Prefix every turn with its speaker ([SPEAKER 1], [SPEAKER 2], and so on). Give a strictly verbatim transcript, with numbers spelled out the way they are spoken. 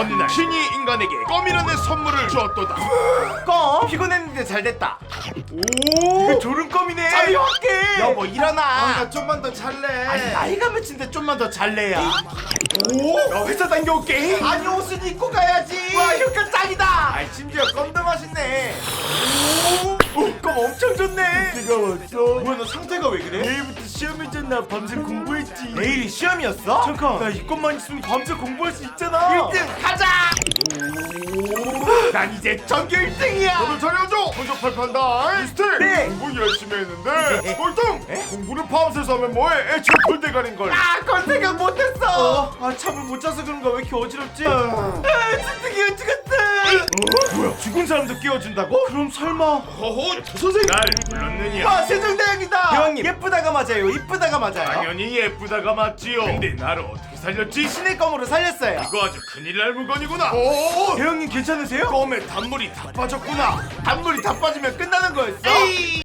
[SPEAKER 1] 어느 날 신이 인간에게 껌이라는 선물을 주었도다.
[SPEAKER 2] 껌? 피곤했는데 잘됐다.
[SPEAKER 1] 오,
[SPEAKER 2] 이거 졸음껌이네.
[SPEAKER 1] 잠이 확게.
[SPEAKER 2] 여보 일어나.
[SPEAKER 1] 아, 나 좀만 더 잘래.
[SPEAKER 2] 아니 나이가 몇인데 좀만 더 잘래야.
[SPEAKER 1] 오, 나 회사 다녀올게.
[SPEAKER 2] 아니 옷은 입고 가야지.
[SPEAKER 1] 와, 효과 짱이다.
[SPEAKER 2] 아이 심지어 껌도 맛있네. 오, 껌 엄청 좋네.
[SPEAKER 1] 내가 왔어.
[SPEAKER 2] 뭐야 너 상태가 왜 그래?
[SPEAKER 1] 내일부터 시험이잖아. 밤새 공부했지.
[SPEAKER 2] 내일이 시험이었어?
[SPEAKER 1] 잠깐.
[SPEAKER 2] 나 이 껌만 있으면 밤새 공부할 수 있잖아.
[SPEAKER 1] 일 등
[SPEAKER 2] 가자. 난 이제 전교 일 등이야.
[SPEAKER 1] 너도 잘해줘. 성적 발표한다. 미스터.
[SPEAKER 2] 네.
[SPEAKER 1] 공부 열심히 했는데 꼴등. 공부를 밤새서 하면 뭐해? 애초에 골대가린 걸.
[SPEAKER 2] 아, 그걸 생각 못했어. 아, 잠을 못 자서 그런가 왜 이렇게 어지럽지? 아, 진짜 죽었다.
[SPEAKER 1] 어? 뭐야?
[SPEAKER 2] 죽은 사람도 깨워준다고? 그럼 설마?
[SPEAKER 1] 허허, 선생님. 날 불렀느냐?
[SPEAKER 2] 아, 세종대왕이다. 대왕님, 예쁘다가 맞아요. 이쁘다가 맞아요.
[SPEAKER 1] 당연히 예쁘다가 맞지요. 근데 나를 어떻게 살렸지?
[SPEAKER 2] 신의 껌으로 살렸어요.
[SPEAKER 1] 이거 아주 큰일 날 물건이구나. 오,
[SPEAKER 2] 대왕님 괜찮으세요?
[SPEAKER 1] 껌에 단물이 다 빠졌구나.
[SPEAKER 2] 단물이 다 빠지면 끝나는 거였어.
[SPEAKER 1] 에이.